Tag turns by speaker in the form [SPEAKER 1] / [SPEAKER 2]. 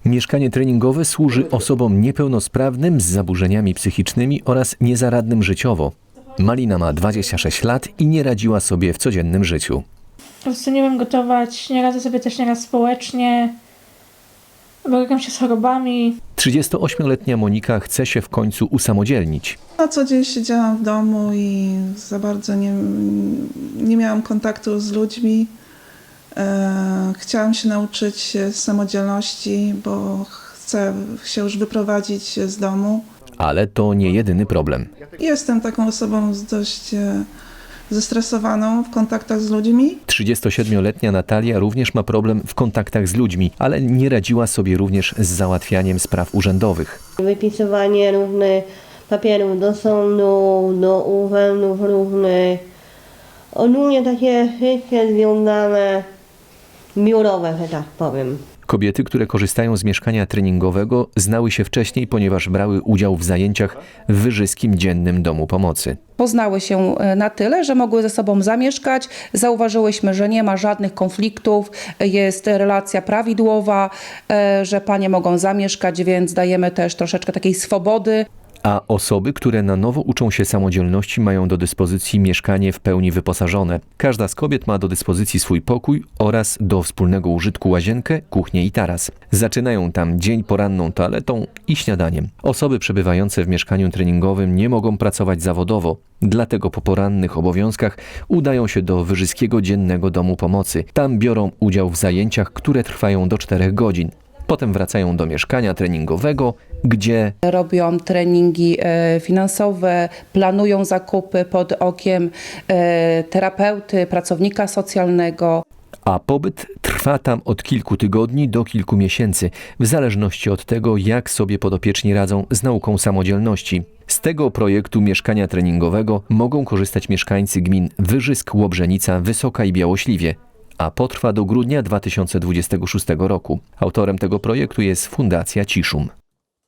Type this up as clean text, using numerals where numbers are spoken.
[SPEAKER 1] Mieszkanie treningowe służy osobom niepełnosprawnym z zaburzeniami psychicznymi oraz niezaradnym życiowo. Malina ma 26 lat i nie radziła sobie w codziennym życiu.
[SPEAKER 2] Po prostu nie wiem gotować, nie radzę sobie też nieraz społecznie, borykam się z chorobami.
[SPEAKER 1] 38-letnia Monika chce się w końcu usamodzielnić.
[SPEAKER 3] Na co dzień siedziałam w domu i za bardzo nie miałam kontaktu z ludźmi. Chciałam się nauczyć samodzielności, bo chcę się już wyprowadzić z domu.
[SPEAKER 1] Ale to nie jedyny problem.
[SPEAKER 3] Jestem taką osobą dość zestresowaną w kontaktach z ludźmi.
[SPEAKER 1] 37-letnia Natalia również ma problem w kontaktach z ludźmi, ale nie radziła sobie również z załatwianiem spraw urzędowych.
[SPEAKER 4] Wypisywanie różnych papierów do sądu, do urzędów różnych. Ogólnie takie życie związane, biurowe, że tak powiem.
[SPEAKER 1] Kobiety, które korzystają z mieszkania treningowego, znały się wcześniej, ponieważ brały udział w zajęciach w Wyżyskim Dziennym Domu Pomocy.
[SPEAKER 5] Poznały się na tyle, że mogły ze sobą zamieszkać. Zauważyłyśmy, że nie ma żadnych konfliktów, jest relacja prawidłowa, że panie mogą zamieszkać, więc dajemy też troszeczkę takiej swobody.
[SPEAKER 1] A osoby, które na nowo uczą się samodzielności, mają do dyspozycji mieszkanie w pełni wyposażone. Każda z kobiet ma do dyspozycji swój pokój oraz do wspólnego użytku łazienkę, kuchnię i taras. Zaczynają tam dzień poranną toaletą i śniadaniem. Osoby przebywające w mieszkaniu treningowym nie mogą pracować zawodowo. Dlatego po porannych obowiązkach udają się do Wyżyskiego Dziennego Domu Pomocy. Tam biorą udział w zajęciach, które trwają do 4 godzin. Potem wracają do mieszkania treningowego, gdzie
[SPEAKER 5] Robią treningi finansowe, planują zakupy pod okiem terapeuty, pracownika socjalnego.
[SPEAKER 1] a pobyt trwa tam od kilku tygodni do kilku miesięcy, w zależności od tego, jak sobie podopieczni radzą z nauką samodzielności. Z tego projektu mieszkania treningowego mogą korzystać mieszkańcy gmin Wyżysk, Łobrzenica, Wysoka i Białośliwie, a potrwa do grudnia 2026 roku. Autorem tego projektu jest Fundacja Ciszum.